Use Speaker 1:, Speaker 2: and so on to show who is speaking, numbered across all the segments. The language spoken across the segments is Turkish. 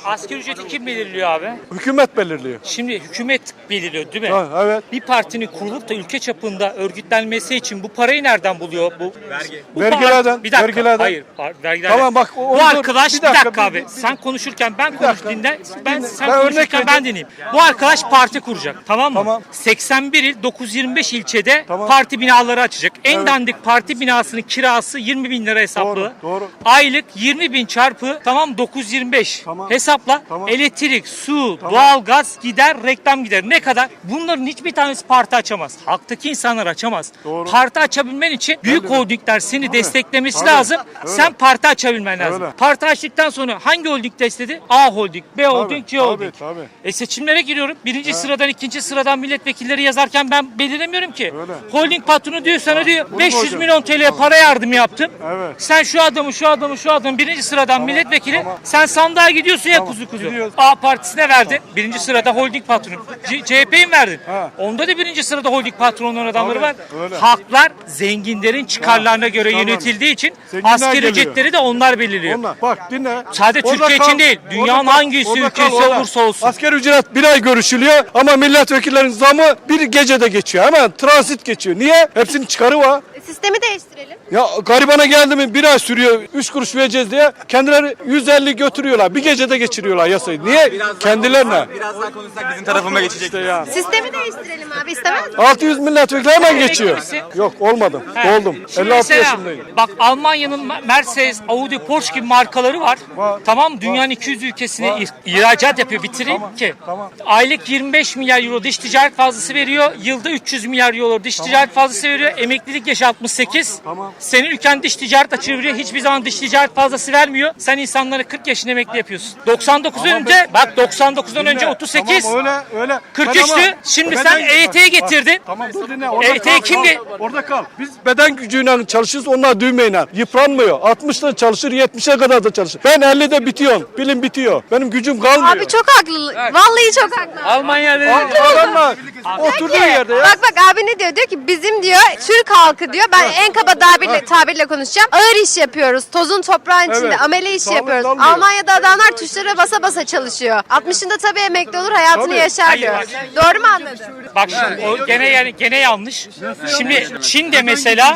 Speaker 1: Asgari ücreti kim belirliyor abi?
Speaker 2: Hükümet belirliyor.
Speaker 1: Şimdi hükümet belirliyor değil mi?
Speaker 2: Ha, evet.
Speaker 1: Bir partinin kurulup da ülke çapında örgütlenmesi için bu parayı nereden buluyor?
Speaker 2: Vergilerden,
Speaker 1: Bir dakika.
Speaker 2: vergilerden.
Speaker 1: Hayır, vergilerden.
Speaker 2: Tamam, bak,
Speaker 1: Bu arkadaş bir dakika abi. Sen konuşurken ben konuş
Speaker 2: dakika.
Speaker 1: dinle. Sen
Speaker 2: Ben örnek
Speaker 1: konuşurken ben
Speaker 2: vereceğim.
Speaker 1: dinleyeyim. Bu arkadaş parti kuracak. Tamam mı?
Speaker 2: Tamam.
Speaker 1: 81 il 925 ilçede
Speaker 2: Tamam.
Speaker 1: parti binaları açacak. En
Speaker 2: Evet.
Speaker 1: dandik parti binasının kirası 20 bin lira hesaplı.
Speaker 2: Doğru.
Speaker 1: Aylık 20 bin çarpı 925.
Speaker 2: Tamam.
Speaker 1: Hesapla.
Speaker 2: Tamam.
Speaker 1: Elektrik, su, doğalgaz gider, reklam gider. Ne kadar? Bunların hiçbir tanesi parti açamaz. Halktaki insanlar açamaz.
Speaker 2: Doğru.
Speaker 1: Parti açabilmen için büyük holdingler seni desteklemesi
Speaker 2: Tabii.
Speaker 1: lazım.
Speaker 2: Öyle.
Speaker 1: Sen parti açabilmen lazım.
Speaker 2: Öyle.
Speaker 1: Parti açtıktan sonra hangi holding destekledi? A holding, B holding, C
Speaker 2: tabii,
Speaker 1: holding.
Speaker 2: tabii.
Speaker 1: Seçimlere giriyorum. Birinci sıradan, ikinci sıradan milletvekilleri yazarken ben belirlemiyorum ki.
Speaker 2: Öyle.
Speaker 1: Holding patronu diyor sana diyor
Speaker 2: Bunu
Speaker 1: 500
Speaker 2: koyacağım.
Speaker 1: milyon TL para yardımı yaptım.
Speaker 2: Evet.
Speaker 1: Sen şu adamı birinci sıradan milletvekili
Speaker 2: tamam.
Speaker 1: sen sandığa gidiyorsun ya kuzu.
Speaker 2: gidiyoruz.
Speaker 1: A partisine verdin. Birinci sırada holding patronu. CHP'yi mi verdin?
Speaker 2: Ha.
Speaker 1: Onda da birinci sırada holding patronların adamları
Speaker 2: Tabii,
Speaker 1: var.
Speaker 2: öyle.
Speaker 1: Halklar zenginlerin çıkarlarına göre
Speaker 2: tamam.
Speaker 1: yönetildiği için
Speaker 2: Zenginler
Speaker 1: asgari
Speaker 2: geliyor.
Speaker 1: ücretleri de onlar belirliyor.
Speaker 2: Onlar. Bak dinle.
Speaker 1: Sadece
Speaker 2: Orada
Speaker 1: Türkiye için değil, dünyanın
Speaker 2: orada kal,
Speaker 1: hangisi
Speaker 2: orada
Speaker 1: ülkesi
Speaker 2: kal, orada.
Speaker 1: olursa olsun.
Speaker 2: Asgari ücret bir ay görüşülüyor ama milletvekillerinin zamı bir gecede geçiyor. Hemen transit geçiyor. Niye? Hepsinin çıkarı var.
Speaker 3: Sistemi değiştirelim.
Speaker 2: Ya garibana geldi mi bir ay sürüyor 3 kuruş vereceğiz diye kendileri 150 götürüyorlar. Bir gecede geçiriyorlar yasayı. Niye? Kendilerine.
Speaker 4: Biraz daha konuşsak bizim tarafıma geçecek.
Speaker 2: İşte ya.
Speaker 3: Sistemi değiştirelim abi istemez misin?
Speaker 2: 600 milletvekili hemen geçiyor.
Speaker 1: misin?
Speaker 2: Yok olmadım. Oldum.
Speaker 1: Şimdi
Speaker 2: 56
Speaker 1: mesela,
Speaker 2: yaşındayım.
Speaker 1: bak Almanya'nın Mercedes, Audi, Porsche gibi markaları var.
Speaker 2: Var.
Speaker 1: Tamam dünyanın 200 ülkesine ihracat yapıyor. Bitireyim ki.
Speaker 2: tamam.
Speaker 1: Aylık 25 milyar euro dış ticaret fazlası veriyor. Yılda 300 milyar euro dış ticaret fazlası veriyor. Emeklilik yaşı 68.
Speaker 2: Tamam.
Speaker 1: Senin ülken dış ticaret açığı veriyor. Hiçbir zaman dış ticaret fazlası vermiyor. Sen insanları 40 yaşında emekli yapıyorsun. 99'dan önce bak 99'dan önce 38.
Speaker 2: Tamam öyle.
Speaker 1: 43'tü. Şimdi sen EYT'yi getirdin.
Speaker 2: Tamam dur dinle. Orada
Speaker 1: EYT
Speaker 2: kal,
Speaker 1: kimdi?
Speaker 2: kal. Orada kal. Biz beden gücüyle çalışırız, onlar düğmeyle. Yıpranmıyor. 60'da çalışır, 70'e kadar da çalışır. Ben 50'de bitiyorum. Bilim bitiyor. Benim gücüm kalmıyor.
Speaker 3: Abi çok haklı. Vallahi çok haklı.
Speaker 1: Almanya'da
Speaker 2: Adamlar oturduğu yerde ya.
Speaker 3: Bak abi ne diyor? Diyor ki bizim diyor Türk halkı diyor. Ben en kaba tabirle konuşacağım. Ağır iş yapıyoruz. Tozun toprağın içinde
Speaker 2: Evet.
Speaker 3: amele iş
Speaker 2: Sağlık
Speaker 3: yapıyoruz.
Speaker 2: almıyor.
Speaker 3: Almanya'da adamlar tuşlara basa basa çalışıyor. 60'ında tabii emekli olur hayatını
Speaker 2: Tabii.
Speaker 3: yaşar
Speaker 1: Hayır,
Speaker 3: diyor.
Speaker 1: bak.
Speaker 3: Doğru mu anladın?
Speaker 1: bak şimdi o gene yanlış. Şimdi Çin'de mesela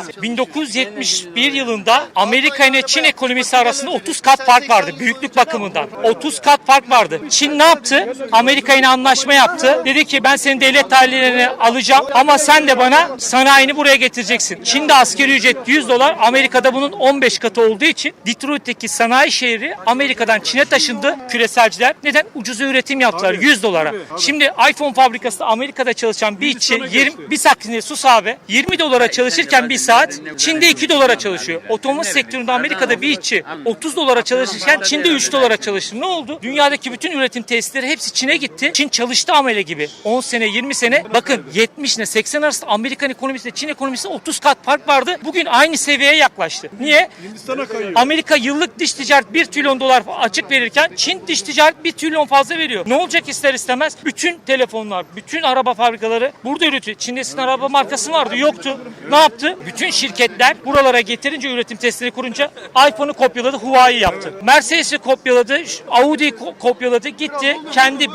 Speaker 1: 1971 yılında Amerika ile Çin ekonomisi arasında 30 kat fark vardı büyüklük bakımından. 30 kat fark vardı. Çin ne yaptı? Amerika ile anlaşma yaptı. Dedi ki ben senin devlet dairesini alacağım ama sen de bana sanayini buraya getireceksin. Çin'de asgari ücret 100 dolar. Amerika'da bunun 15 katı olduğu için Detroit'teki sanayi şehri Amerika'dan Çin'e taşındı küreselciler. Neden? Ucuz üretim yaptılar 100 dolara. Şimdi iPhone fabrikasında Amerika'da çalışan bir işçi 20 saatinde sus abi 20 dolara çalışırken bir saat Çin'de 2 dolara çalışıyor. Otomotiv sektöründe Amerika'da bir işçi 30 dolara çalışırken Çin'de 3 dolara çalıştı. Ne oldu? Dünyadaki bütün üretim tesisleri hepsi Çin'e gitti. Çin çalıştı amele gibi. 10 sene 20 sene bakın 70 ile 80 arasında Amerikan ekonomisiyle Çin ekonomisinde 30 kat fark vardı. Bugün aynı seviyeye yaklaştı. Niye?
Speaker 2: Hindistan'a kayıyor.
Speaker 1: Amerika yıllık dış ticaret 1 trilyon dolar açık verirken Çin dış ticaret 1 trilyon fazla veriyor. Ne olacak ister istemez? Bütün telefonlar, bütün araba fabrikaları burada üretiyor. Çin'de sizin araba markası vardı, yoktu. Ne yaptı? Bütün şirketler buralara getirince üretim testleri kurunca iPhone'u kopyaladı, Huawei yaptı. Mercedes'i kopyaladı, Audi'yi kopyaladı, gitti. Kendi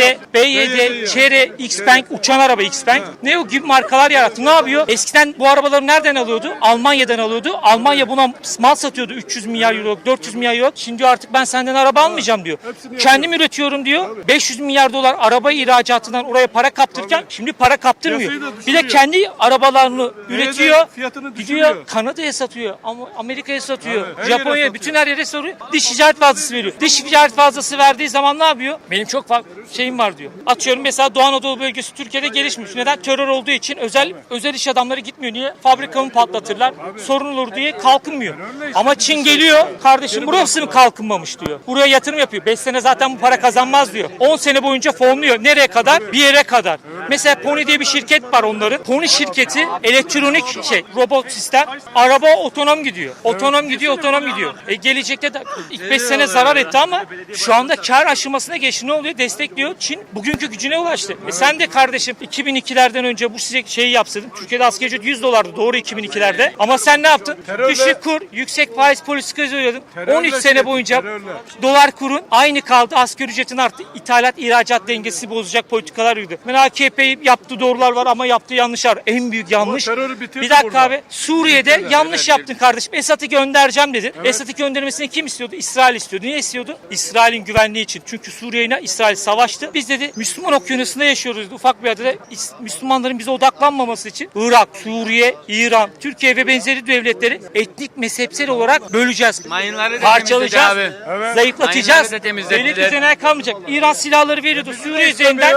Speaker 1: BYD, Chery, Xpeng, uçan araba Xpeng. Ne o gibi markalar yarattı. Ne yapıyor? Eskiden bu arabaları nereden alıyordu? Almanya'dan alıyordu. Almanya buna mal satıyordu 300 milyar euro, 400 milyar euro. Şimdi diyor artık ben senden araba almayacağım diyor. Kendim üretiyorum diyor. 500 milyar dolar araba ihracatından oraya para kaptırırken şimdi para kaptırmıyor. Bir de kendi arabalarını üretiyor.
Speaker 2: fiyatını
Speaker 1: Gidiyor
Speaker 2: düşürüyor.
Speaker 1: Kanada'ya satıyor. Ama Amerika'ya satıyor.
Speaker 2: Evet, her yere
Speaker 1: Japonya'ya
Speaker 2: satıyor.
Speaker 1: bütün her yere soruyor. Dış ticaret fazlası veriyor. Dış ticaret fazlası verdiği zaman ne yapıyor? Benim çok şeyim var diyor. Atıyorum mesela Doğu Anadolu bölgesi Türkiye'de gelişmiş. Neden? Terör olduğu için özel iş adamları gitmiyor. Niye? Fabrikamı patlatırlar. Sorun olur diye kalkınmıyor. Ama Çin geliyor. Kardeşim burası mı kalkınmamış diyor. Buraya yatırım yapıyor. 5 sene zaten bu para kazanmaz diyor. 10 sene boyunca fonluyor. Nereye kadar? Bir yere kadar. Mesela Pony diye bir şirket var onların. Pony şirketi elektronik robot sistem. Araba otonom gidiyor. Otonom gidiyor. Gelecekte de ilk 5 sene zarar etti ama şu anda kar aşamasına geçti. Ne oluyor? Destekliyor. Çin bugünkü gücüne ulaştı. Sen de kardeşim 2002'lerden önce bu size şeyi yapsaydın. Türkiye'de asgari ücret 100 dolardı. Doğru 2002'lerde. Ama sen ne yaptın?
Speaker 2: Terörle-
Speaker 1: Düşük kur, yüksek faiz politikası uyguladın.
Speaker 2: Terörle
Speaker 1: 13 sene boyunca
Speaker 2: terörle.
Speaker 1: dolar kurun aynı kaldı. Asgari ücretin arttı. İthalat, ihracat dengesi bozacak politikalar uyguladı. Ben AKP'yi yaptığı doğrular var ama yaptığı yanlışlar. En büyük yanlış.
Speaker 2: terörü bitirdi
Speaker 1: Bir dakika
Speaker 2: burada.
Speaker 1: abi. Suriye'de yanlış yaptın kardeşim. Esad'ı göndereceğim dedin. Esad'ı göndermesini kim istiyordu? İsrail istiyordu. Niye istiyordu? İsrail'in güvenliği için. Çünkü Suriye'yle İsrail savaştı. Biz dedi Müslüman okyanusunda yaşıyoruz dedi. Ufak bir adada Müslümanların bize odaklanmaması için Irak, Suriye, İran, Türkiye ve benzeri devletleri etnik mezhepsel olarak böleceğiz.
Speaker 5: Mayınları da
Speaker 1: Parçalayacağız.
Speaker 5: temizledi abi.
Speaker 1: Zayıflatacağız.
Speaker 5: Mayınları da temizlediler.
Speaker 1: Devlet üzerine kalmayacak. İran silahları veriyordu Suriye üzerinden.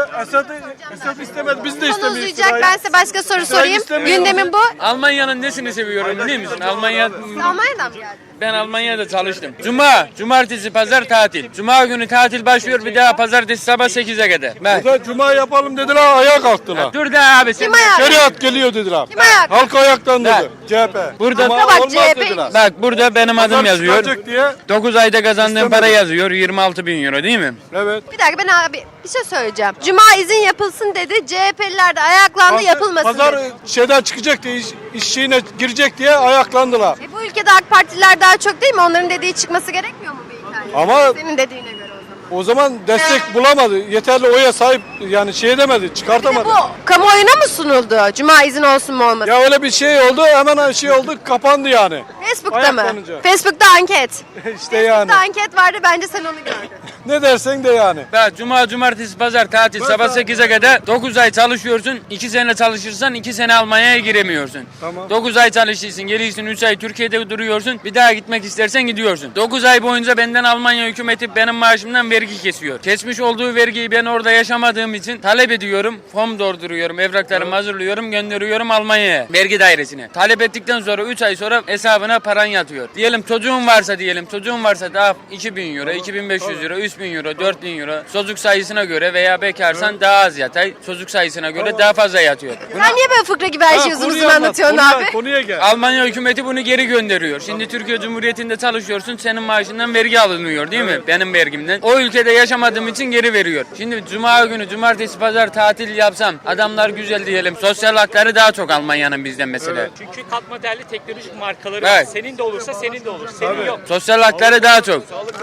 Speaker 2: Esad istemedi, biz de
Speaker 3: Konu
Speaker 2: istemiyoruz.
Speaker 3: uzayacak. Ben size başka soru sorayım.
Speaker 2: istemiyor.
Speaker 3: Gündemin bu.
Speaker 5: Almanya'nın nesini seviyorum biliyor musun?
Speaker 3: Almanya'dan mı geldin?
Speaker 5: Ben Almanya'da çalıştım. Cumartesi, pazar tatil. Cuma günü tatil başlıyor bir daha pazartesi sabah 8'e kadar. Ben.
Speaker 2: Burada cuma yapalım dediler, ayağa kalktılar.
Speaker 5: Dur da abi sen.
Speaker 3: Kim ayağı?
Speaker 2: Şeriat geliyor dediler.
Speaker 3: Kim ayağa?
Speaker 2: Halk ayaktan dedi.
Speaker 5: Bak.
Speaker 2: CHP.
Speaker 5: Burada-
Speaker 2: Cuma
Speaker 3: Bak,
Speaker 2: olmaz
Speaker 3: CHP.
Speaker 2: dediler.
Speaker 5: Bak burada benim adım
Speaker 2: Pazar
Speaker 5: yazıyor.
Speaker 2: çıkacak diye.
Speaker 5: 9 ayda kazandığım
Speaker 2: İstemedim.
Speaker 5: para yazıyor. 26 bin euro değil mi?
Speaker 2: Evet.
Speaker 3: Bir dakika ben abi bir şey söyleyeceğim. Cuma izin yapılsın dedi. CHP'liler de ayaklandı yapılmasın
Speaker 2: Pazar
Speaker 3: dedi.
Speaker 2: şeyden çıkacak diye, iş şeyine girecek diye ayaklandılar.
Speaker 3: Bu ülkede AK Partililer daha çok değil mi? Onların dediği çıkması gerekmiyor mu beyefendi?
Speaker 2: Ama-
Speaker 3: Senin dediğine göre o zaman.
Speaker 2: O zaman destek bulamadı. Yeterli oya sahip yani şey edemedi,
Speaker 3: Bir de
Speaker 2: çıkartamadı.
Speaker 3: bu kamuoyuna mı sunuldu? Cuma izin olsun mu olmasın?
Speaker 2: Ya öyle bir şey oldu, hemen şey oldu, kapandı yani.
Speaker 3: Facebook'ta mı?
Speaker 2: ayaklanınca.
Speaker 3: Facebook'ta anket.
Speaker 2: İşte yani.
Speaker 3: Facebook'ta anket vardı bence sen onu gördün.
Speaker 2: Ne dersen de yani.
Speaker 5: Bak cumartesi, pazar tatil sabah 8'e kadar 9 ay çalışıyorsun. 2 sene çalışırsan 2 sene Almanya'ya giremiyorsun.
Speaker 2: Tamam.
Speaker 5: 9 ay çalışırsın, geliyorsun 3 ay Türkiye'de duruyorsun. Bir daha gitmek istersen gidiyorsun. 9 ay boyunca benden Almanya hükümeti benim maaşımdan vergi kesiyor. Kesmiş olduğu vergiyi ben orada yaşamadığım için talep ediyorum. Form dolduruyorum, evraklarımı hazırlıyorum, gönderiyorum Almanya'ya, vergi dairesine. Talep ettikten sonra 3 ay sonra hesabına paran yatıyor. Diyelim çocuğun varsa daha 2000 euro, 2500 euro, 3000 euro, 4000 euro. Çocuk sayısına göre veya bekarsan daha az yatay, çocuk sayısına göre daha fazla yatıyor.
Speaker 3: Sen niye böyle fıkra gibi her şeyi uzun uzun anlatıyorsun abi?
Speaker 2: Konuya gel.
Speaker 5: Almanya hükümeti bunu geri gönderiyor. Şimdi Türkiye Cumhuriyeti'nde çalışıyorsun, senin maaşından vergi alınıyor değil mi? Benim vergimden. O ülkede yaşamadığım için geri veriyor. Şimdi cuma günü, cumartesi, pazar tatil yapsam, adamlar güzel diyelim, sosyal hakları daha çok Almanya'nın bizden mesela.
Speaker 1: Çünkü katma değerli teknolojik markaları
Speaker 5: Evet.
Speaker 1: var. Senin de olursa senin de olur. Senin yok.
Speaker 5: Sosyal hakları daha çok.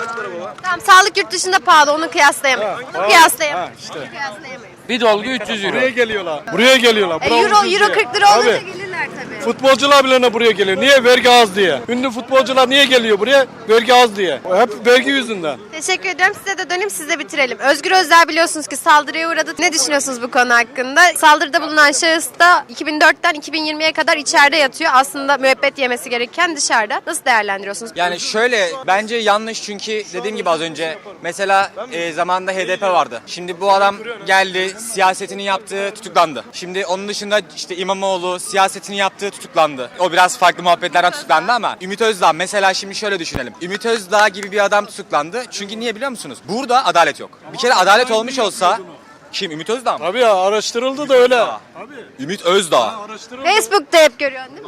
Speaker 3: Tamam sağlık yurt dışında pahalı onu kıyaslayamayız. Bunu kıyaslayamayız.
Speaker 2: işte.
Speaker 3: Bunu kıyaslayamayız.
Speaker 5: Bir dolgu 300 euro.
Speaker 2: Buraya geliyorlar. Buraya geliyorlar. Bura
Speaker 3: Euro
Speaker 2: ucuz diye.
Speaker 3: 40 lira olunca
Speaker 2: Tabii.
Speaker 3: gelirler tabii.
Speaker 2: Futbolcular bile buraya geliyor. Niye? Vergi az diye. Ünlü futbolcular niye geliyor buraya? Vergi az diye. Hep vergi yüzünden.
Speaker 3: Teşekkür ediyorum. Size de döneyim siz de bitirelim. Özgür Özel biliyorsunuz ki saldırıya uğradı. Ne düşünüyorsunuz bu konu hakkında? Saldırıda bulunan şahıs da 2004'ten 2020'ye kadar içeride yatıyor. Aslında müebbet yemesi gerekirken dışarıda. Nasıl değerlendiriyorsunuz?
Speaker 4: Yani şöyle bence yanlış çünkü dediğim gibi az önce mesela zamanında HDP vardı. Şimdi bu adam geldi siyasetini yaptı tutuklandı. Şimdi onun dışında işte İmamoğlu siyasetini yaptı tutuklandı. O biraz farklı muhabbetlerden tutuklandı ama Ümit Özdağ mesela şimdi şöyle düşünelim. Ümit Özdağ gibi bir adam tutuklandı. Çünkü niye biliyor musunuz? Burada adalet yok. Bir kere adalet olmuş olsa kim? Ümit Özdağ mı?
Speaker 2: Tabii ya araştırıldı da öyle.
Speaker 4: Ümit Özdağ.
Speaker 3: Facebook'ta hep görüyorsun değil mi?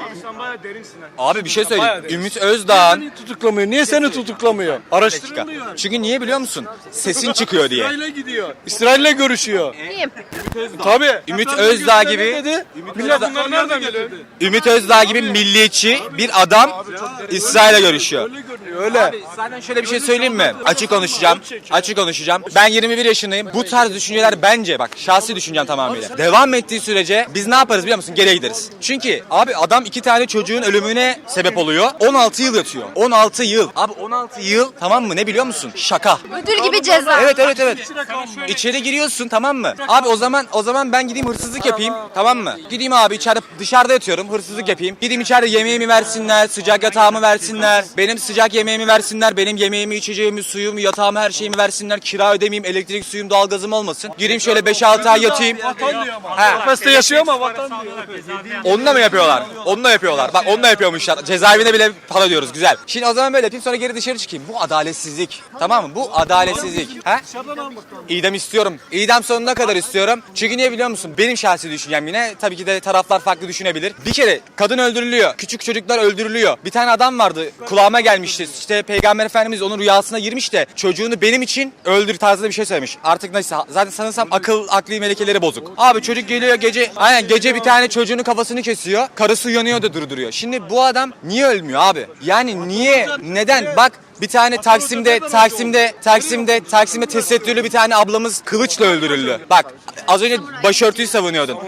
Speaker 4: Abi bir şey söyleyeyim. Ümit Özdağ'ın
Speaker 2: Niye tutuklamıyor? Niye seni tutuklamıyor? Araştırılmıyor.
Speaker 4: çünkü niye biliyor musun? Sesin çıkıyor diye.
Speaker 2: İsrail'e gidiyor. İsrail'le görüşüyor.
Speaker 3: İyiyim.
Speaker 2: Tabii.
Speaker 4: Ümit Özdağ
Speaker 2: Ne
Speaker 4: gibi
Speaker 2: dedi? Millet bunları nereden biliyor?
Speaker 4: Ümit Özdağ gibi milliyetçi bir adam İsrail'le görüşüyor.
Speaker 2: Öyle görünüyor öyle.
Speaker 4: Zaten şöyle bir şey söyleyeyim mi? Açık konuşacağım. Ben 21 yaşındayım. Bu tarz düşünceler bence bak şahsi düşüncem tamamıyla. Devam ettiği sürece biz ne yaparız biliyor musun? Geriye gideriz. Çünkü abi adam 2 tane çocuğun ölümüne sebep oluyor. 16 yıl yatıyor. 16 yıl. Abi 16 yıl tamam mı? Ne biliyor musun? Şaka.
Speaker 3: Ödül gibi ceza.
Speaker 4: Evet. İçeri giriyorsun tamam mı? Abi o zaman ben gideyim hırsızlık yapayım tamam mı? Gideyim abi dışarıda yatıyorum hırsızlık yapayım. Gideyim içeride yemeğimi versinler, sıcak yatağımı versinler. Benim sıcak yemeğimi versinler, benim yemeğimi, içeceğimi, suyumu, yatağımı, her şeyimi versinler. Kira ödemeyeyim, elektrik, suyum, doğalgazım olmasın. Gireyim şöyle 5-6 ay yatayım.
Speaker 2: Kafeste yaşıyor ama vatan diyor.
Speaker 4: Onunla mı yapıyorlar? Onunla yapıyorlar. Bak onunla yapıyormuşlar. Cezaevine bile para diyoruz. Güzel. Şimdi o zaman böyle yapayım sonra geri dışarı çıkayım. Bu adaletsizlik. Tamam mı? Bu adaletsizlik. Ha? İdam istiyorum. İdam sonuna kadar istiyorum. Çünkü niye biliyor musun? Benim şahsi düşüncem yine. Tabii ki de taraflar farklı düşünebilir. Bir kere kadın öldürülüyor. Küçük çocuklar öldürülüyor. Bir tane adam vardı. Kulağıma gelmişti. işte Peygamber Efendimiz onun rüyasına girmiş de çocuğunu benim için öldür tarzında bir şey söylemiş. Artık neyse zaten sanırsam akli melekeleri bozuk. Abi çocuk geliyor gece bir tane çocuğunun kafasını kesiyor. Karısı uyanıyor da durduruyor. Şimdi bu adam niye ölmüyor abi? Yani niye? Neden? Bak bir tane Taksim'de tesettürlü bir tane ablamız kılıçla öldürüldü. Bak az önce başörtüyü savunuyordun.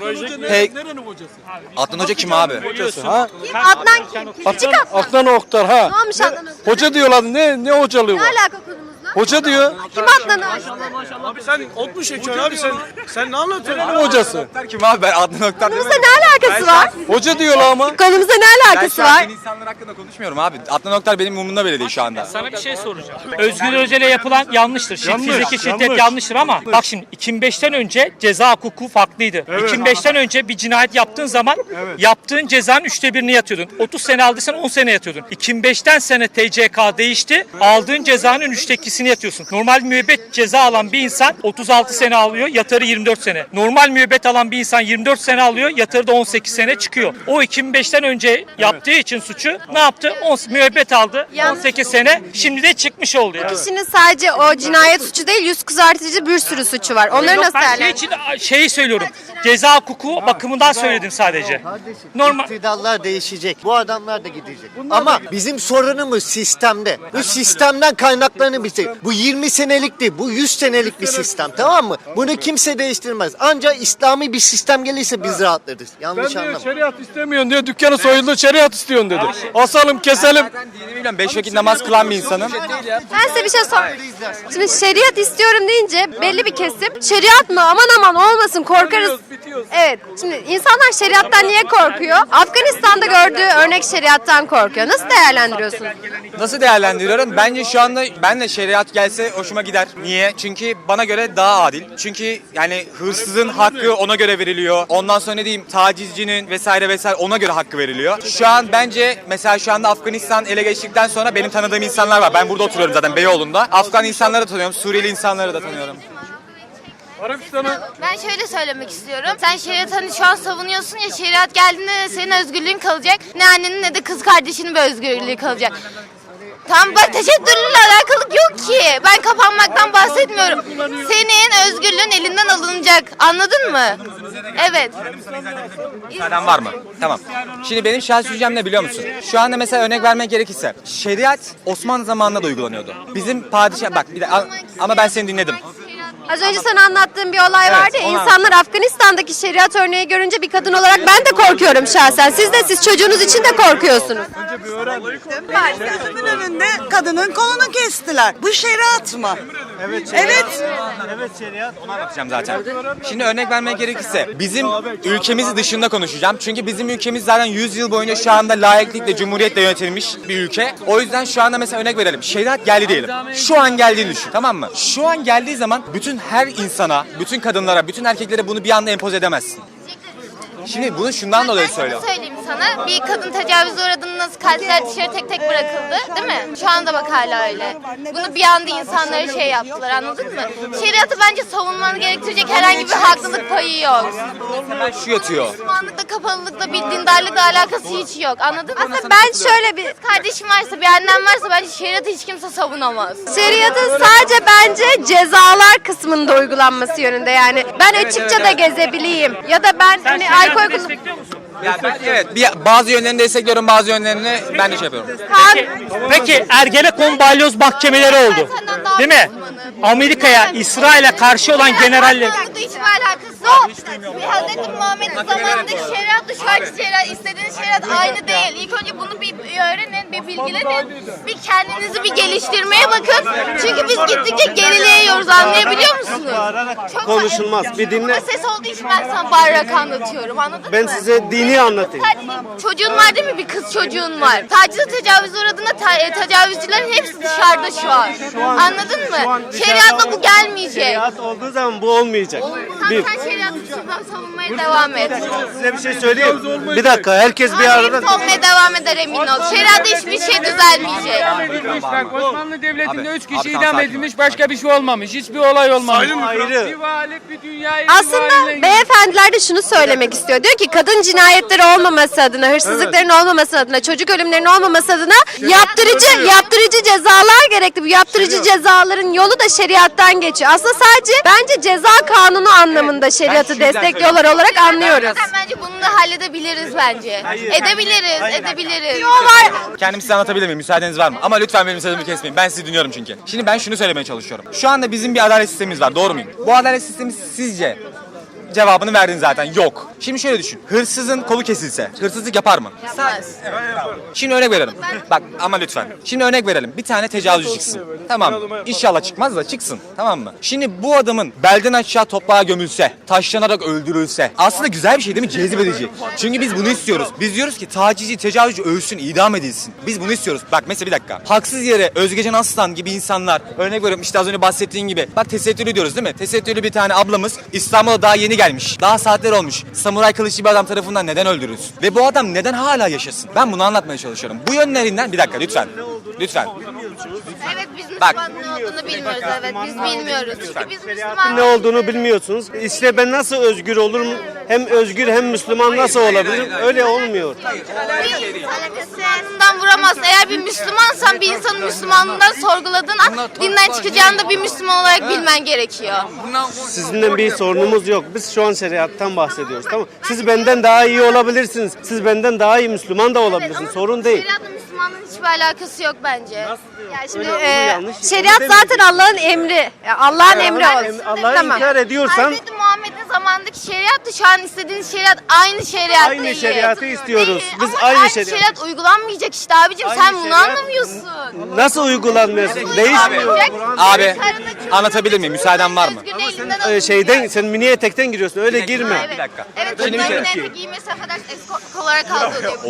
Speaker 4: Adnan Hoca kim abi?
Speaker 2: Ha?
Speaker 3: Kim? Adnan kim? Küçük Adnan.
Speaker 2: Adnan Oktar ha.
Speaker 3: Ne olmuş Adnan?
Speaker 2: Hoca diyorlar ne hocalığı
Speaker 3: Ne
Speaker 2: var?
Speaker 3: alaka konumuzla?
Speaker 2: Hoca diyor.
Speaker 3: Kim Adnan'ı açtı?
Speaker 6: Abi sen ot mu çekiyorsun abi sen ne anlatıyorsun?
Speaker 2: Ne hocası?
Speaker 4: Kim abi ben Adnan Oktar
Speaker 3: Konumuzla ne alakası var?
Speaker 2: Hoca diyorlar ama.
Speaker 3: Konumuzla ne
Speaker 4: Ben
Speaker 3: alakası
Speaker 4: şu an
Speaker 3: var?
Speaker 4: yeni insanlar hakkında konuşmuyorum abi. Adnan Oktar benim umurumda bile değil şu anda.
Speaker 1: Sana bir şey soracağım. Özgür Özel'e yapılan yanlıştır.
Speaker 2: Yanlış,
Speaker 1: Fiziki şiddet
Speaker 2: yanlış.
Speaker 1: yanlıştır ama bak şimdi 2005'ten önce ceza hukuku farklıydı. 2005'ten önce bir cinayet yaptığın zaman yaptığın cezanın 1/3'ünü yatıyordun. 30 sene aldıysan 10 sene yatıyordun. 2005'ten sene TCK değişti. Aldığın cezanın 2/3'ünü yatıyorsun. Normal müebbet ceza alan bir insan 36 sene alıyor, yatarı 24 sene. Normal müebbet alan bir insan 24 sene alıyor, yatarı da 18 sene çıkıyor. O 2005'ten önce yaptığı için suçu ne yaptı? Müebbet aldı,
Speaker 3: Yalnız-
Speaker 1: 18 sene. Şimdi de çıkmış oldu ya.
Speaker 3: Kişinin sadece o cinayet suçu değil, yüz kızartıcı bir sürü suçu var. Onları
Speaker 1: Yok,
Speaker 3: nasıl
Speaker 1: ben şey
Speaker 3: değerlendiriyorsun?
Speaker 1: için şeyi söylüyorum. Ceza hukuku bakımından söyledim sadece. Normal.
Speaker 7: İktidarlar değişecek. Bu adamlar da gidecek. Ama bizim sorunumuz sistemde. Bu sistemden kaynaklarını bitir. Bu 20 senelik değil, bu 100 senelik bir sistem, tamam mı? Bunu kimse değiştirmez. Ancak İslami bir sistem gelirse biz rahatlarız.
Speaker 2: Ben
Speaker 7: Yanlış
Speaker 2: diyor
Speaker 7: anlama.
Speaker 2: şeriat istemiyorsun diyor. Dükkanı soyuldu şeriat istiyorsun dedi. Asalım keselim.
Speaker 4: Zaten dinimi biliyorum. 5 vakit namaz kılan bir insanım.
Speaker 3: Ben size bir şey sorayım. Şimdi şeriat istiyorum deyince belli bir kesim şeriat mı aman aman olmasın korkarız. Evet. Şimdi insanlar şeriattan niye korkuyor? Afganistan'da gördüğü örnek şeriattan korkuyor. Nasıl değerlendiriyorsunuz?
Speaker 4: Nasıl değerlendiriyorum? Bence şu anda ben de şeriat gelse hoşuma gider. Niye? Çünkü bana göre daha adil. Çünkü yani hırsızın hakkı ona göre veriliyor. Ondan sonra ne diyeyim tacizcinin vesaire ona göre hakkı veriliyor. Şu an bence mesela şu anda Afganistan ele geçtikten sonra benim tanıdığım insanlar var. Ben burada oturuyorum zaten Beyoğlu'nda. Afgan insanları da tanıyorum. Suriyeli insanları da tanıyorum.
Speaker 2: Arabistan'a
Speaker 8: Ben şöyle söylemek istiyorum. Sen şeriat hani şu an savunuyorsun ya şeriat geldiğinde ne senin özgürlüğün kalacak ne annenin ne de kız kardeşinin bir özgürlüğü kalacak. Tamam bak teşekkürle alakalı yok ki. Ben kapanmaktan bahsetmiyorum. Senin özgürlüğün elinden alınacak. Anladın mı? Evet.
Speaker 4: Müsaaden var mı? Tamam. Şimdi benim şahsi düşüncem ne biliyor musun? Şu anda mesela örnek vermek gerekirse şeriat Osmanlı zamanında da uygulanıyordu. Bizim padişah bak bir de ama ben seni dinledim.
Speaker 3: Az önce sana anlattığım bir olay vardı ya,
Speaker 4: onu
Speaker 3: insanlar Afganistan'daki şeriat örneği görünce bir kadın olarak ben de korkuyorum şahsen. Siz çocuğunuz için de korkuyorsunuz.
Speaker 9: Gözümün önünde kadının kolunu kestiler. Bu şeriat mı? Evet.
Speaker 4: Onu anlatacağım zaten. Şimdi örnek vermek gerekirse bizim ülkemiz dışında konuşacağım. Çünkü bizim ülkemiz zaten 100 yıl boyunca şu anda laiklikle, cumhuriyetle yönetilmiş bir ülke. O yüzden şu anda mesela örnek verelim. Şeriat geldi diyelim. Şu an geldiğini düşün, tamam mı? Şu an geldiği zaman bütün her insana, bütün kadınlara, bütün erkeklere bunu bir anda empoze edemezsin. Şimdi bunu şundan dolayı söylüyorum.
Speaker 8: Söyleyeyim sana. Bir kadın tecavüze uğradığında nasıl katiller dışarı tek tek bırakıldı değil mi? Şu anda bak hala öyle. Bunu bir anda insanlara şey yaptılar anladın mı? Şeriatı bence savunmanı gerektirecek herhangi bir haklılık payı yok.
Speaker 4: Hemen şu yatıyor.
Speaker 8: Müslümanlıkla, kapalılıkla, bir dindarlıkla alakası hiç yok anladın mı?
Speaker 3: Aslında ben şöyle bir
Speaker 8: Kardeşim varsa, bir annem varsa bence şeriatı hiç kimse savunamaz.
Speaker 3: şeriatın sadece bence cezalar kısmında uygulanması yönünde yani. Ben açıkça da gezebileyim ya da ben
Speaker 1: Sen
Speaker 3: hani alkol
Speaker 1: şeriatı
Speaker 3: kullan-
Speaker 1: destekliyor musun?
Speaker 4: Yani ben, evet, bazı yönlerini destekliyorum, bazı yönlerini ben de şey yapıyorum.
Speaker 1: Peki Ergenekon balyoz mahkemeleri oldu. Değil mi? Amerika'ya, İsrail'e karşı olan generaller.
Speaker 8: Bu hiçbir alakası yok. Hazreti Muhammed'in zamanındaki şeriatla şu anki şeriat, istediğiniz şeriat aynı değil. İlk önce bunu bir öğrenin, bir bilgilenin, bir kendinizi bir geliştirmeye bakın. Çünkü biz gittikçe gerileye yiyoruz, anlayabiliyor musunuz? Çok
Speaker 6: Konuşulmaz. Bir dinle.
Speaker 8: Ses olduğu için ben sana bağırarak anlatıyorum, anladın mı?
Speaker 6: Ben size dini anlatayım.
Speaker 8: Çocuğun var değil mi? Bir kız çocuğun var. Tacize tecavüze uğradığında tecavüzcülerin hepsi dışarıda şu an. Anladın mı? Şeriatla bu gelmeyecek.
Speaker 6: Şeriat olduğu zaman bu olmayacak. Bir.
Speaker 8: Sen şeriatı şuradan savunmaya devam et.
Speaker 6: Size bir şey söyleyeyim. Bir dakika herkes bir arada.
Speaker 8: Savunmaya devam eder emin ol. Şeriatta hiçbir şey düzelmeyecek.
Speaker 5: Bak Osmanlı Devleti'nde
Speaker 4: Abi,
Speaker 5: 3 kişi
Speaker 4: abi,
Speaker 5: idam
Speaker 4: sakin ol.
Speaker 5: edilmiş başka bir şey olmamış. Hiçbir olay olmamış.
Speaker 6: Ayrı. ayrı.
Speaker 5: Bir varlık bir dünyayı
Speaker 3: Aslında beyefendiler de şunu söylemek istiyor. Diyor ki kadın cinayetleri olmaması adına, hırsızlıkların olmaması adına, çocuk ölümlerinin olmaması adına yaptırıcı cezalar gerekli. Bu yaptırıcı cezaların yolu da şeriattan geçiyor. Aslında sadece bence ceza kanunu anlamında şeriatı destekliyorlar olarak anlıyoruz.
Speaker 8: Zaten bence bunu da halledebiliriz bence. Edebiliriz.
Speaker 4: Kendimi size anlatabilir miyim? Müsaadeniz var mı? Ama lütfen benim sözümü kesmeyin. Ben sizi dinliyorum çünkü. Şimdi ben şunu söylemeye çalışıyorum. Şu anda bizim bir adalet sistemimiz var. Doğru muyum? Bu adalet sistemi sizce cevabını verdin zaten. Yok. Şimdi şöyle düşün. Hırsızın kolu kesilse hırsızlık yapar mı?
Speaker 8: Yapmaz.
Speaker 4: Şimdi örnek verelim. Bak ama lütfen. Şimdi örnek verelim. Bir tane tecavüzcü çıksın. Tamam. İnşallah çıkmaz da çıksın. Tamam mı? Şimdi bu adamın belden aşağı toprağa gömülse, taşlanarak öldürülse aslında güzel bir şey değil mi? Cezbedici. Çünkü biz bunu istiyoruz. Biz diyoruz ki tacizci, tecavüzcü ölsün, idam edilsin. Biz bunu istiyoruz. Bak mesela bir dakika. Haksız yere Özgecan Aslan gibi insanlar, örnek veriyorum işte az önce bahsettiğin gibi. Bak tesettürlü diyoruz değil mi? Tesettürlü bir tane ablamız İstanbul'a daha yeni gelmiş. Daha saatler olmuş. Samuray kılıçlı bir adam tarafından neden öldürülsün? Ve bu adam neden hala yaşasın? Ben bunu anlatmaya çalışıyorum. Bu yönlerinden bir dakika lütfen. Lütfen.
Speaker 8: Evet biz
Speaker 4: Bak.
Speaker 8: Müslümanın ne olduğunu bilmiyoruz. Evet biz bilmiyoruz. Çünkü biz Müslüman
Speaker 6: Ne olduğunu bilmiyorsunuz. İşte ben nasıl özgür olurum? Hem özgür hem Müslüman nasıl olabilirim? Öyle olmuyor.
Speaker 8: Müslümanlığından vuramazsın. Eğer bir Müslümansan bir insanın Müslümanlığından sorguladığın an dinden çıkacağını da bir Müslüman olarak bilmen gerekiyor.
Speaker 6: Sizinle bir sorunumuz yok. Biz şu an şeriattan bahsediyoruz. Tamam. Siz benden daha iyi olabilirsiniz. Siz benden daha iyi Müslüman da olabilirsiniz. Sorun değil.
Speaker 8: Şeriatla Müslümanlığın hiçbir alakası yok bence.
Speaker 3: Ya şimdi
Speaker 6: yanlış.
Speaker 3: şeriat zaten Allah'ın emri. Ya Allah'ın emri olsun.
Speaker 6: Allah'ı
Speaker 3: Tamam.
Speaker 6: inkar ediyorsan
Speaker 8: Hz. Muhammed'in zamandaki şeriatla şu an istediğiniz şeriat aynı şeriat
Speaker 6: Aynı
Speaker 8: değil.
Speaker 6: şeriatı istiyoruz.
Speaker 8: Değil.
Speaker 6: Biz
Speaker 8: Ama
Speaker 6: aynı
Speaker 8: şeriat uygulanmayacak işte abicim
Speaker 6: Aynı
Speaker 8: sen bunu
Speaker 6: şeriat-
Speaker 8: anlamıyorsun.
Speaker 6: nasıl uygulanmıyorsun? Değişmiyor.
Speaker 4: Abi anlatabilir miyim? Müsaaden var mı?
Speaker 6: Şeyden sen mini etekten giriyorsun. Öyle girme.
Speaker 8: Evet.
Speaker 4: Bir dakika.
Speaker 8: Evet,
Speaker 4: Şimdi bir
Speaker 8: kadınların
Speaker 4: kere-
Speaker 8: etek giymesi affedersin eskort olarak algılıyor.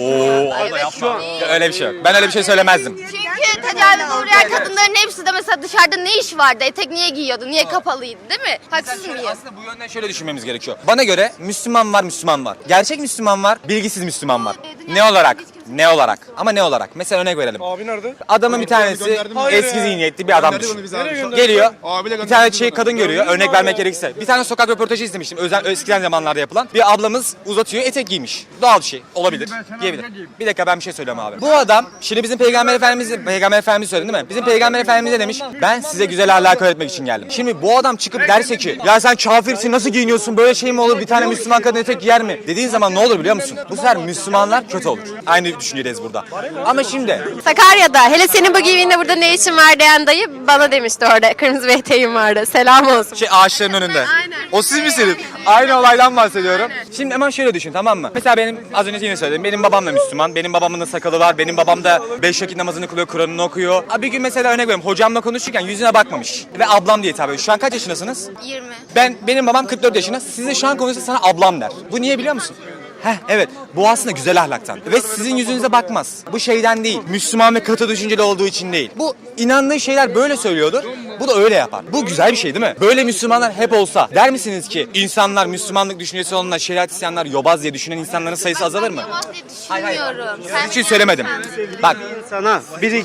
Speaker 4: Öyle bir şey yok. Ben öyle bir şey söylemezdim.
Speaker 8: Çünkü tecavüze uğrayan kadınların hepsi de mesela dışarıda ne iş vardı? Etek niye giyiyordu? Niye kapalıydı değil mi? Haksız mıyım?
Speaker 4: Aslında bu yönden şöyle düşünmemiz gerekiyor. Bana göre Müslüman var, Müslüman var. Gerçek Müslüman var, bilgisiz Müslüman var. Ne olarak? Ne olarak? Ama ne olarak? Mesela örnek verelim.
Speaker 6: Abi nerede?
Speaker 4: Adamın bir tanesi eski zihniyetli bir adam düşün. Geliyor, bir tane kadın görüyor, örnek vermek gerekirse. Bir tane sokak röportajı izlemiştim, eskiden zamanlarda yapılan. Bir ablamız uzatıyor, etek giymiş. Doğal bir şey, olabilir, giyebilir. Bir dakika ben bir şey söyleyeyim abi. Bu adam, şimdi bizim Peygamber Efendimiz söyledi değil mi? Bizim Peygamber Efendimiz ne demiş? Ben size güzel ahlak öğretmek için geldim. Şimdi bu adam çıkıp derse ki, ya sen kafirsin, nasıl giyiniyorsun, böyle şey mi olur, bir tane Müslüman kadın etek giyer mi? Dediğin zaman ne olur biliyor musun? Bu sefer Müslümanlar kötü olur. Aynı düşüncedeyiz burada. Ama şimdi
Speaker 3: Sakarya'da hele senin bu giyiminde burada ne işin var diyen dayı bana demişti orada. Kırmızı bir eteğim vardı. Selam olsun.
Speaker 4: ağaçların önünde. O siz misiniz? Aynı olaydan bahsediyorum. Şimdi hemen şöyle düşün tamam mı? Mesela benim az önce yine söyledim. Benim babam da Müslüman. Benim babamın da sakalı var. Benim babam da 5 vakit namazını kılıyor, Kur'an'ını okuyor. Bir gün mesela örnek veriyorum. Hocamla konuşurken yüzüne bakmamış. Ve ablam diye hitap ediyor. Şu an kaç yaşındasınız?
Speaker 8: 20.
Speaker 4: Benim babam 44 yaşında. Size şu an konuşsa sana ablam der. Bu niye biliyor musun? Evet. Bu aslında güzel ahlaktan. Ve sizin yüzünüze bakmaz. Bu şeyden değil. Müslüman ve katı düşünceli olduğu için değil. Bu inandığı şeyler böyle söylüyordur. Bu da öyle yapar. Bu güzel bir şey değil mi? Böyle Müslümanlar hep olsa der misiniz ki insanlar Müslümanlık düşüncesi olanlar, şeriat isyanlar yobaz diye düşünen insanların sayısı azalır mı?
Speaker 8: Yamaz diye düşünmüyorum.
Speaker 4: Sizin için söylemedim. Bak
Speaker 6: Sana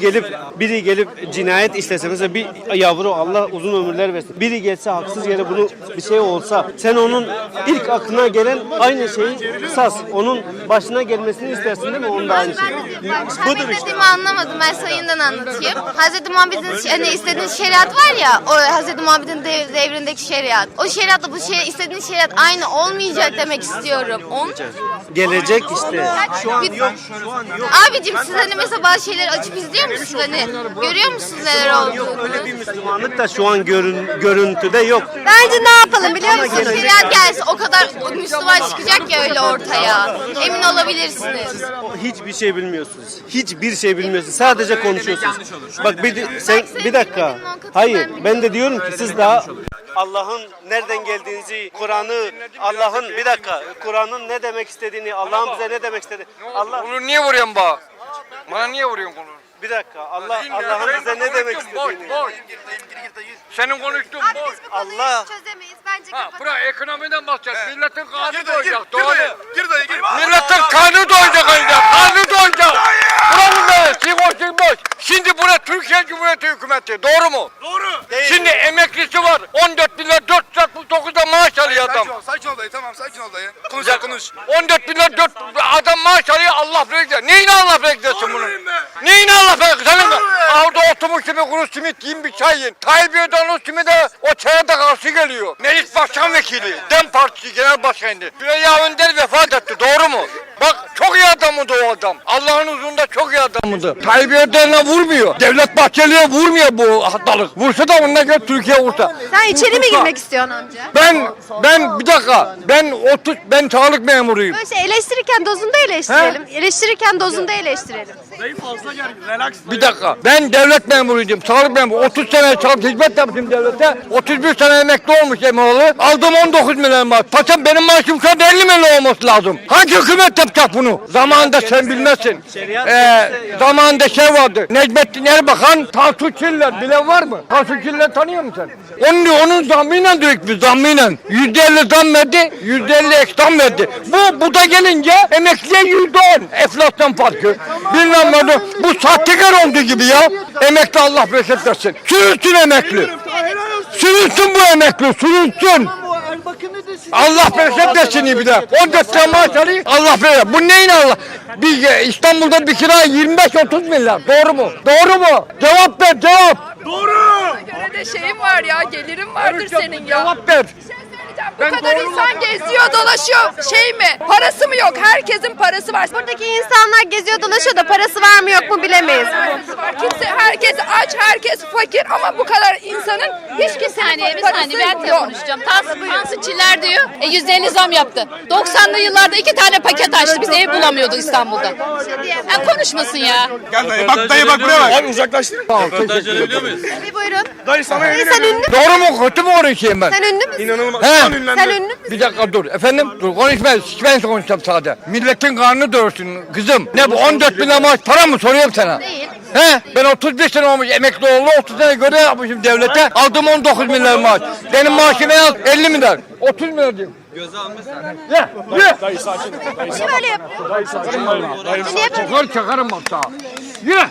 Speaker 6: biri gelip cinayet işlese mesela bir yavru Allah uzun ömürler versin. Biri gelse haksız yere bunu bir şey olsa sen onun ilk aklına gelen aynı şeyi sas. Onun başına gelmesini istersin değil mi? Onun da aynı şey.
Speaker 8: Sen benim dediğimi anlamadın. Ben sana yeniden anlatayım. Hz. Muhammed'in hani istediğin şeriat var ya, o Hz. Muhammed'in devrindeki şeriat. O şeriatla bu şey istediğin şeriat aynı olmayacak demek istiyorum.
Speaker 6: Gelecek işte.
Speaker 8: Şu an yok. Abicim siz hani mesela bazı şeyleri açıp izliyor musunuz hani? Görüyor musunuz neler olduğunu?
Speaker 6: Öyle bir Müslümanlık da şu an görüntüde yok.
Speaker 3: Bence ne yapalım biliyor musun?
Speaker 8: Şeriat gelse o kadar Müslüman çıkacak ya öyle ortaya. Emin olabilirsiniz.
Speaker 6: Hiçbir şey bilmiyorsunuz. Hiçbir şey bilmiyorsunuz. Sadece konuşuyorsunuz. Bak sen bir dakika. Hayır, ben de diyorum ki siz daha Allah'ın nereden geldiğinizi, Allah'ın bir dakika, Kur'an'ın ne demek istediğini, Allah'ın bize ne demek istediğini.
Speaker 5: Bunu niye vuruyorsun bana? Bana niye vuruyorsun bunu?
Speaker 6: Bir dakika. Allah'ın bize ne demek istediğini.
Speaker 5: Boş. Senin konuştuğun boş.
Speaker 6: Allah
Speaker 3: çözemeyiz. Bence
Speaker 5: Bırak ekonomiden bahsedeceğiz. Milletin kanı doyacak. Doğru. Milletin kanı doyacak önce. Kanı doyacak. Buranın da sigortası boş. Şimdi bura Türkiye Cumhuriyeti hükümeti. Doğru mu? Doğru. Şimdi emeklisi var. 14 bin lira 460
Speaker 10: adam.
Speaker 11: Sakin ol dayı, tamam sakin ol dayı. Konuş
Speaker 10: Ya,
Speaker 11: konuş.
Speaker 10: 14 bin lira 4 adam maaş alıyor Allah bekler. Neyine Allah beklesin bunu? Neyine Allah beklesin? Senin orada oturmuş bir kuru simit yiyin bir çay yiyin. Tayyip Erdoğan'ın simide o çaya da karşı geliyor. Meclis Başkan Vekili, DEM Partisi Genel Başkanı. Süreyya Önder vefat etti doğru mu? Bak çok iyi adamdı o adam. Allah'ın huzurunda çok iyi adamdı. Tayyip Erdoğan'a vurmuyor. Devlet Bahçeli'ye vurmuyor bu hastalık. Vursa da onunla göre Türkiye vursa.
Speaker 3: Sen içeri mi girmek istiyorsun amca?
Speaker 10: Ben bir dakika. Ben sağlık memuruyum.
Speaker 3: Böyle şey eleştirirken dozunda eleştirelim. Eleştirirken dozunda eleştirelim.
Speaker 10: Bir dakika. Ben devlet memuruydum. Sağlık memuru. 30 sene hizmet yaptım devlete. 31 sene emekli olmuş Emoğlu. Aldım 19 milyon maaş. Paşam benim maaşım şu an 50 milyon olması lazım. Hangi hükümet yapacak bunu? Zamanında sen bilmezsin. Zamanında şey vardı. Necmettin Erbakan, Tansu Çiller. Bilen var mı? Tansu Çiller tanıyor musun sen? Onun zammıyla diyoruz biz zammıyla. %50 zam verdi. %50 ek zam verdi. Bu da gelince emekliye %10. Enflasyon farkı. Bilmem ne. Bu sahtekar olduğu gibi ya. Emekli Allah bereket versin. Sürünsün emekli. Sürünsün bu emekli. Sürünsün. Allah bereket versin bir de. 14 tane maaş alayım. Allah bereket. Bu neyin Allah? İstanbul'da bir kira 25-30 milyar. Doğru mu? Doğru mu? Cevap ver cevap.
Speaker 12: göre de şeyim var ya, gelirim vardır senin ya.
Speaker 10: Cevap ver.
Speaker 12: Bu kadar insan geziyor, dolaşıyor. Şey mi? Parası mı yok? Herkesin parası var.
Speaker 3: Buradaki insanlar geziyor dolaşıyor da parası var mı yok mu bilemeyiz.
Speaker 12: Parası var. Kimse, herkes aç, herkes fakir ama bu kadar insanın hiç kimsenin
Speaker 8: Bir
Speaker 12: parası
Speaker 8: saniye ben de
Speaker 12: yok.
Speaker 8: konuşacağım. Tansu Çiller diyor. %50 zam yaptı. 90'lı yıllarda 2 tane paket açtı. Biz ev bulamıyorduk İstanbul'da. Konuşmasın ya.
Speaker 11: Gel dayı bak dayı bak buraya bak. Abi uzaklaştır.
Speaker 3: Bir buyurun.
Speaker 11: Dayı sana
Speaker 3: Dayı sen ünlü müsün?
Speaker 10: Doğru mu kötü mü konuşayım ben?
Speaker 3: Sen ünlü müsün?
Speaker 11: İnanılmaz.
Speaker 10: He.
Speaker 11: Şu an ünlendi.
Speaker 3: Sen ünlü müsün?
Speaker 10: Bir dakika dur. Efendim? Dur konuşma. Ben konuşacağım sadece. Milletin karnını doyursun kızım. Ne bu 14 bin lira maaş para mı soruyorum sana?
Speaker 3: Değil.
Speaker 10: He? Ben 31 sene olmuş emekli oğlu 30 sene görev yapmışım devlete. Aldım 19 milyar maaş. Benim maaşım en az 50 milyar. 30 milyar diyeyim. Göze almışsın. Ye.
Speaker 11: Dayı sakin.
Speaker 3: Kim öyle yapıyor?
Speaker 11: Dayı sakin. Dayı
Speaker 3: Niye böyle?
Speaker 10: Çakarım bak daha. Ye.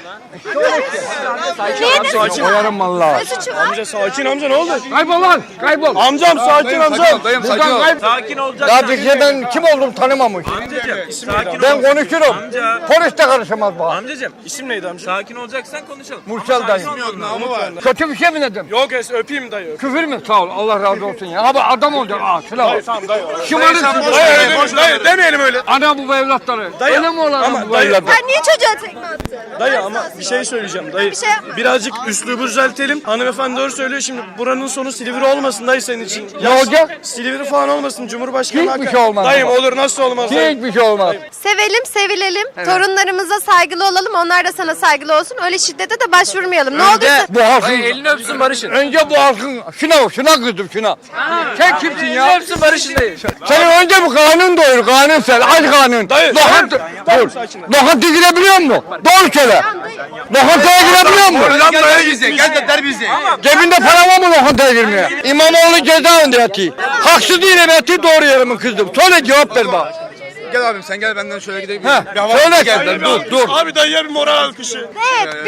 Speaker 3: Niye?
Speaker 10: Koyarım vallahi.
Speaker 3: Ne suçu var?
Speaker 11: amca sakin amca ne oldu?
Speaker 10: Kaybol lan. Kaybol.
Speaker 11: Amcam sakin amcam.
Speaker 10: Buradan kayb.
Speaker 13: Sakin olacak.
Speaker 10: Daha bir şey ben kim oldum tanımamış.
Speaker 13: Sakin
Speaker 10: Ben konuşurum. Polis de karışamaz bana.
Speaker 13: Amcacığım,
Speaker 11: İsim neydi amca?
Speaker 13: sakin olacaksan konuşalım.
Speaker 10: Mursal dayı.
Speaker 11: Namı var.
Speaker 10: Kötü bir şey mi dedim?
Speaker 11: Yok es öpeyim dayı.
Speaker 10: Küfür mü? Sağ ol. Allah razı olsun ya. Abi adam olacak. Şuna bak.
Speaker 11: Tamam dayı.
Speaker 10: Şımarık.
Speaker 11: Dayı demeyelim öyle.
Speaker 10: Ana bu evlatları.
Speaker 11: Dayı,
Speaker 10: Öyle mi olan
Speaker 11: ama
Speaker 10: bu
Speaker 11: dayı-
Speaker 10: evlatları?
Speaker 3: Sen niye çocuğa tekme attın?
Speaker 11: Dayı ama bir şey söyleyeceğim dayı.
Speaker 3: Bir şey yapma.
Speaker 11: Birazcık üslubu düzeltelim. Hanımefendi doğru söylüyor şimdi buranın sonu Silivri olmasın dayı senin için.
Speaker 10: Ne olacak?
Speaker 11: Silivri falan olmasın Cumhurbaşkanı.
Speaker 10: Hiçbir şey olmaz
Speaker 11: Dayım
Speaker 10: ama.
Speaker 11: olur nasıl olmaz dayı.
Speaker 10: Hiçbir şey olmaz.
Speaker 3: Sevelim, sevilelim. Torunlarımıza saygılı olalım. Onlar da sana saygılı olsun. Öyle şiddete de başvurmayalım. Ne olursa.
Speaker 10: Bu halkın...
Speaker 13: Elini öpsün barışın.
Speaker 10: Önce bu halkın... Şuna kızdım şuna. Sen kimsin ya?
Speaker 13: Elini öpsün barışın dayı.
Speaker 10: Senin önce bu kanun doyur. Kanun sen. Aç kanun.
Speaker 11: Dayı,
Speaker 10: Lokanta... Dur. Lokantaya girebiliyor musun? Doğru söyle. Lokantaya girebiliyor musun?
Speaker 11: Gel de der bizi.
Speaker 10: Cebinde para var mı lokantaya girmeye? İmamoğlu cezaevinde yatıyor. Haksız değilim yatıyor doğru yere mi kızdım? Söyle cevap ver bana.
Speaker 11: Gel abim sen gel benden şöyle gidelim.
Speaker 10: Ha, söyle gel. Dur.
Speaker 11: Abi dayıya bir moral alkışı.
Speaker 3: Evet. Bir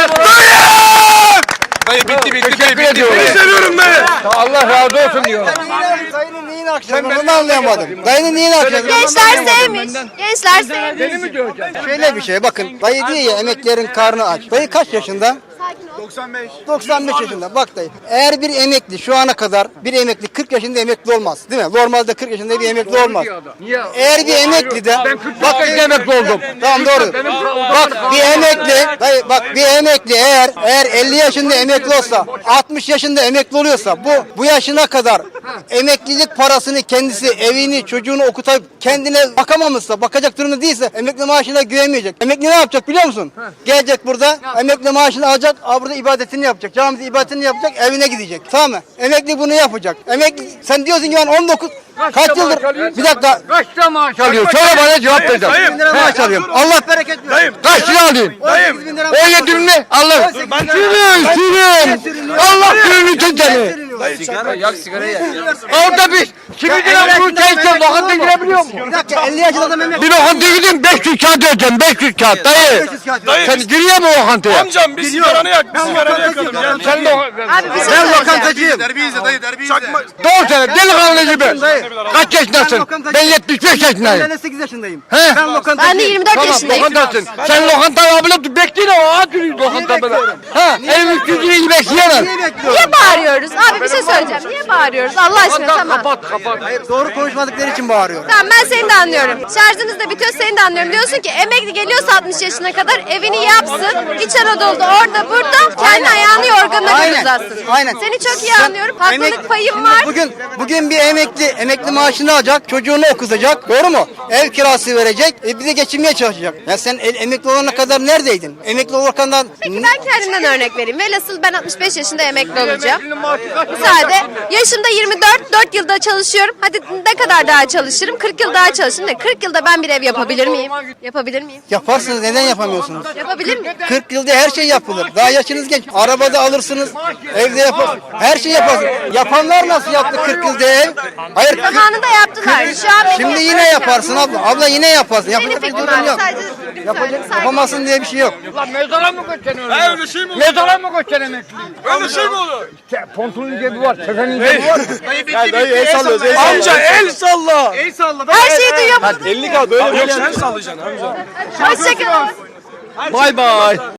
Speaker 11: Dayı bitti
Speaker 10: Teşekkür ediyorum.
Speaker 11: seviyorum dayı.
Speaker 10: Allah razı olsun diyorum.
Speaker 7: Dayının neyini akşamı onu anlayamadım. Dayının neyini akşamı?
Speaker 3: Gençler sevmiş. Gençler sevmiş.
Speaker 10: Beni mi döveceksin?
Speaker 7: Şöyle bir şey bakın. Dayı diyor ya emeklilerin karnı aç. Dayı kaç yaşında? 95 yaşında. Bak dayı. Eğer bir emekli şu ana kadar bir emekli 40 yaşında emekli olmaz. Değil mi? Normalde 40 yaşında bir emekli olmaz.
Speaker 10: Niye?
Speaker 7: Eğer bir emekli de
Speaker 10: Ben 40 yaşında emekli oldum.
Speaker 7: tamam doğru. Bak bir emekli dayı bak bir emekli eğer 50 yaşında emekli olsa 60 yaşında emekli oluyorsa bu yaşına kadar emeklilik parasını kendisi evini çocuğunu okutup kendine bakamamışsa bakacak durumda değilse emekli maaşına güvenmeyecek. Emekli ne yapacak biliyor musun? Gelecek burada emekli maaşını alacak burada ibadetini yapacak. Camide ibadetini yapacak evine gidecek. Tamam mı? Emekli bunu yapacak. Emekli sen diyorsun ki ben 19 kaç yıldır bir dakika
Speaker 10: Kaç lira maaş alıyor? Söyle bana cevap vereceğim.
Speaker 7: 1000 lira maaş alıyorum. Allah bereket versin.
Speaker 11: Dayım.
Speaker 10: Kaç lira alayım?
Speaker 7: 18.000 lira
Speaker 10: 17 bin mi? Allah. Sürün. Allah sürünü seni.
Speaker 13: Sigara yak, sigara yak.
Speaker 10: Orada biz kimidine bu çayken lokanta girebiliyor mu?
Speaker 6: Bir dakika 50 yaşında adam emekli.
Speaker 10: Bir lokanta gidin 500 kağıt ödeyeceğim 500 kağıt dayı. Sen giriyor mu lokantaya?
Speaker 11: Amcam bir sigaranı yak. Bir sigaranı yakalım. Gel.
Speaker 10: Sen
Speaker 3: Abi bir şey
Speaker 6: Ben
Speaker 3: söyleyeceğim.
Speaker 6: lokantacıyım.
Speaker 11: Çakma.
Speaker 10: doğru söyle delikanlı gibi. Kaç yaşındasın? Ben 75 yaşındayım.
Speaker 6: 58 yaşındayım.
Speaker 10: He?
Speaker 6: Ben lokantacıyım.
Speaker 3: Ben de 24
Speaker 10: Tamam
Speaker 3: yaşındayım.
Speaker 10: lokantasın. Sen lokantayı abla bekleyin o ağa duruyor lokanta böyle. Ha ev 300 lirayı bekleyemem.
Speaker 3: Niye bağırıyoruz? Abi bir şey söyleyeceğim. Niye bağırıyoruz? Allah aşkına tamam.
Speaker 10: Kapat.
Speaker 6: Hayır doğru konuşmadıkları için bağırıyorum.
Speaker 3: Tamam ben seni de anlıyorum. Şarjınız da bitiyor seni de anlıyorum. Diyorsun ki emekli geliyorsa 60 yaşına kadar evini yapsın. İç Anadolu'da orada burada kendi ayağını yorganına göre uzatsın.
Speaker 6: Aynen.
Speaker 3: Seni çok iyi anlıyorum. Haklılık payım var.
Speaker 6: Bugün bir emekli maaşını alacak, çocuğunu okutacak. Doğru mu? Ev kirası verecek, bir de geçinmeye çalışacak. Ya sen emekli olana kadar neredeydin? Emekli olana
Speaker 3: Peki ben kendimden örnek vereyim. Velhasıl ben 65 yaşında emekli olacağım. Müsaade. Yaşımda 24, 4 yılda çalışıyorum. Hadi ne kadar daha çalışırım? 40 yıl daha çalışırım. Ne? 40 yılda ben bir ev yapabilir miyim? Yapabilir miyim?
Speaker 6: yaparsınız. Neden yapamıyorsunuz?
Speaker 3: Yapabilir miyim?
Speaker 6: 40 yılda her şey yapılır. Daha yaşınız genç. Arabada alırsınız, evde yaparsınız. Her şey yaparsınız. Yapanlar nasıl yaptı 40 yılda ev? Hayır.
Speaker 3: Zamanında yaptılar. Şu an
Speaker 6: Şimdi yine yaparsın abla. Abla yine yaparsın.
Speaker 3: Senin
Speaker 6: Yapacak bir
Speaker 3: fikrin
Speaker 6: durum
Speaker 3: abi.
Speaker 6: yok.
Speaker 3: Sadece
Speaker 6: Yapamazsın diye bir şey yok.
Speaker 10: Lan mezara mı götürüyorsun?
Speaker 11: Öyle şey mi olur?
Speaker 10: Mezara mı götürüyorsun emekliyi?
Speaker 11: Öyle şey mi olur?
Speaker 10: Pontunun cebi var, tefenin cebi var.
Speaker 2: Dayı el sallıyoruz.
Speaker 11: Amca el salla.
Speaker 3: her şeyi duyuyor.
Speaker 2: 50 kal böyle.
Speaker 11: Yok sen sallayacaksın amca.
Speaker 3: Hoşçakalın.
Speaker 2: Bay bay.